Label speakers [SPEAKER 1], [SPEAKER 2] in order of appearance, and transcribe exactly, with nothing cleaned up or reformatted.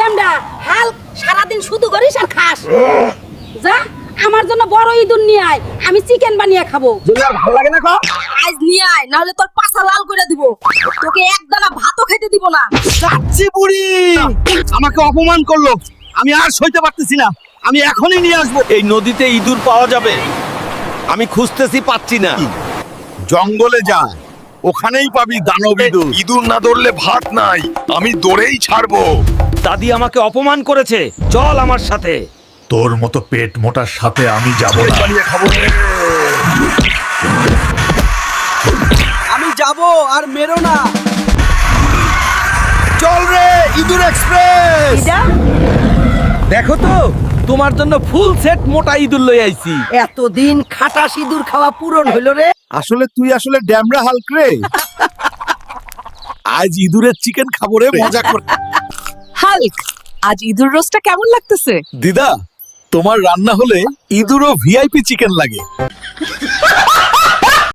[SPEAKER 1] ড্যামডা হাল সারাদিন শুধু করিস আর খাস। যা আমার জন্য বড় ইঁদুর নিয়ে আয়, আমি চিকেন বানিয়ে খাবো।
[SPEAKER 2] যদি আর ভালো লাগে না কো
[SPEAKER 1] আজ নিয়ে আয়, না হলে তোর পাছা লাল করে দিব, তোকে এক দানা ভাতও খেতে দিব না।
[SPEAKER 2] চাচ্ছি বুড়ি আমাকে অপমান করলো, আমি আর সইতে পারতেছি না, আমি এখনই নিয়ে আসবো।
[SPEAKER 3] এই নদীতে ইঁদুর পাওয়া যাবে? আমি খুঁজতেছি, পাচ্ছি না।
[SPEAKER 4] জঙ্গলে যা, ওখানেই পাবি দানব ইঁদুর। ইঁদুর না ধরলে ভাত নাই, আমি দৌড়েই ছাড়বো।
[SPEAKER 3] দাদি আমাকে অপমান করেছে, চল আমার সাথে।
[SPEAKER 4] তোর মতো পেট মোটার সাথে আমি যাব না। বানিয়ে খাবো রে।
[SPEAKER 2] আমি যাব, আর মেরো না।
[SPEAKER 4] চল রে ইঁদুর এক্সপ্রেস।
[SPEAKER 3] দেখো তো, তোমার জন্য ফুল সেট মোটা ইঁদুর লই আইছি।
[SPEAKER 5] এতদিন খাটা সিঁদুর খাওয়া পূরণ হইল রে।
[SPEAKER 4] আসলে তুই আসলে ড্যামরা হাল্ক রে। আজ ইঁদুরের চিকেন খাবো রে, মজা করে।
[SPEAKER 6] হাল্ক, আজ ইঁদুর রোস্টটা কেমন লাগতেছে?
[SPEAKER 4] দিদা, তোমার রান্না হলে ইঁদুরও ভিআইপি চিকেন লাগে।